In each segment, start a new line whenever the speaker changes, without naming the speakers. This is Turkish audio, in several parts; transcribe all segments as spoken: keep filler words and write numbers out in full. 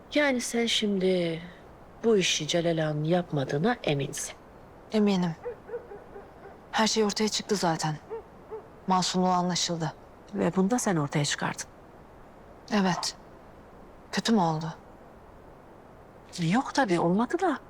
Yani sen şimdi bu işi Celal Ağa'nın yapmadığına eminsin.
Eminim. Her şey ortaya çıktı zaten. Masumluğu anlaşıldı.
Ve bunu da sen ortaya çıkardın.
Evet. Kötü mü oldu?
Yok tabii, olmadı da.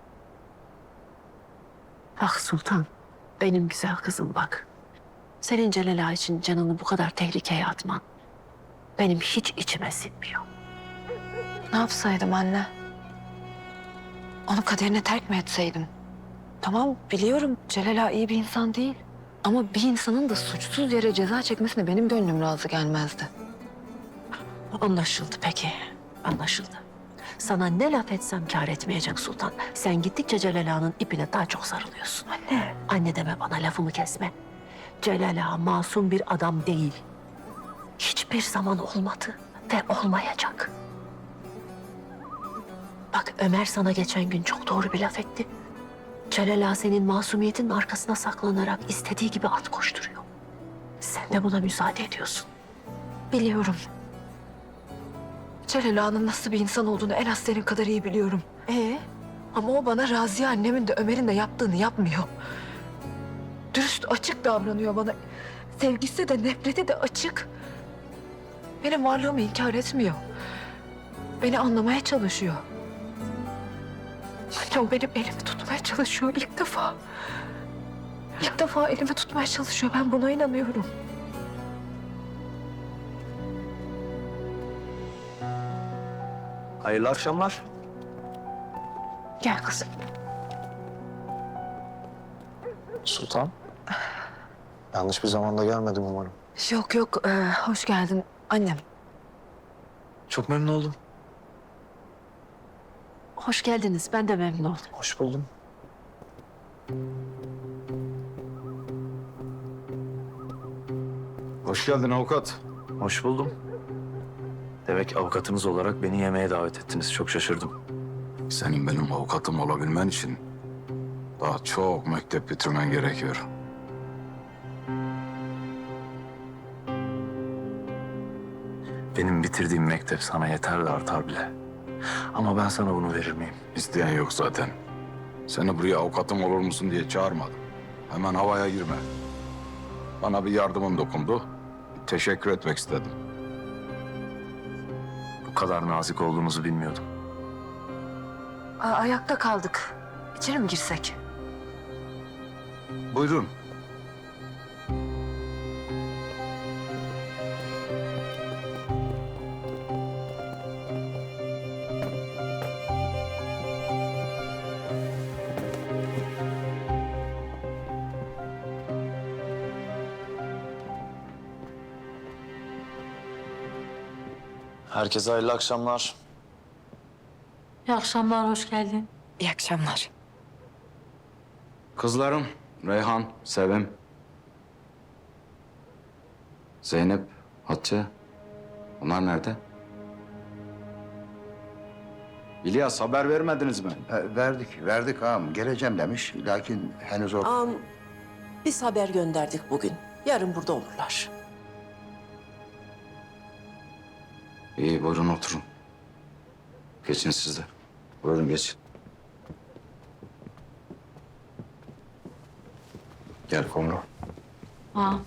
Bak Sultan, benim güzel kızım bak. Senin Celal Ağa için canını bu kadar tehlikeye atman benim hiç içime sinmiyor.
Ne yapsaydım anne? Onu kaderine terk mi etseydim? Tamam, biliyorum Celal Ağa iyi bir insan değil. Ama bir insanın da suçsuz yere ceza çekmesine benim gönlüm razı gelmezdi.
Anlaşıldı peki, anlaşıldı. Sana ne laf etsem kâr etmeyecek Sultan. Sen gittikçe Celal Ağa'nın ipine daha çok sarılıyorsun. Anne. Anne deme bana, lafımı kesme. Celal Ağa masum bir adam değil. Hiçbir zaman olmadı ve olmayacak. Bak Ömer sana geçen gün çok doğru bir laf etti. Celal Ağa senin masumiyetinin arkasına saklanarak istediği gibi at koşturuyor. Sen de buna müsaade ediyorsun.
Biliyorum. Celal Ağa'nın nasıl bir insan olduğunu en az senin kadar iyi biliyorum.
Ee?
Ama o bana Raziye annemin de Ömer'in de yaptığını yapmıyor. Dürüst, açık davranıyor bana. Sevgisi de nefreti de açık. Benim varlığımı inkar etmiyor. Beni anlamaya çalışıyor. Anne o benim elimi tutmaya çalışıyor ilk defa. İlk defa elimi tutmaya çalışıyor. Ben buna inanıyorum.
Hayırlı akşamlar.
Gel kızım.
Sultan. Yanlış bir zamanda gelmedim umarım.
Yok yok, ee, hoş geldin annem.
Çok memnun oldum.
Hoş geldiniz. Ben de memnun oldum.
Hoş buldum.
Hoş geldin avukat.
Hoş buldum. Demek avukatınız olarak beni yemeğe davet ettiniz. Çok şaşırdım.
Senin benim avukatım olabilmen için daha çok mektep bitirmen gerekiyor.
Benim bitirdiğim mektep sana yeter de artar bile. Ama ben sana bunu verir miyim?
İsteyen yok zaten. Seni buraya avukatım olur musun diye çağırmadım. Hemen havaya girme. Bana bir yardımın dokundu. Teşekkür etmek istedim.
Bu kadar nazik olduğunuzu bilmiyordum.
Aa, ayakta kaldık. İçeri mi girsek?
Buyurun.
Herkese hayırlı akşamlar.
İyi akşamlar, hoş geldin.
İyi akşamlar.
Kızlarım Reyhan, Sevim, Zeynep, Hatice. Onlar nerede? İlyas haber vermediniz mi?
E, verdik, verdik ağam. Geleceğim demiş. Lakin henüz o...
Ağam, biz haber gönderdik bugün. Yarın burada olurlar.
İyi buyurun oturun. Geçin siz de. Buyurun geçin. Gel Komro.
Ha.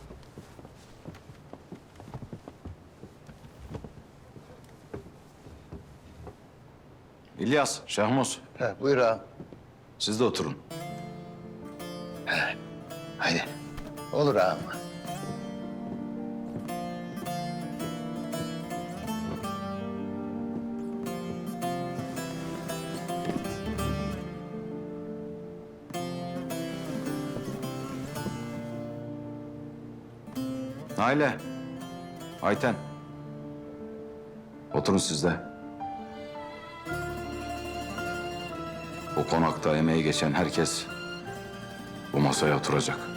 İlyas, Şahmuz
He, buyur ağam.
siz de oturun.
Haydi. Olur ağam.
Naile, Ayten. Oturun siz de. Bu konakta emeği geçen herkes bu masaya oturacak.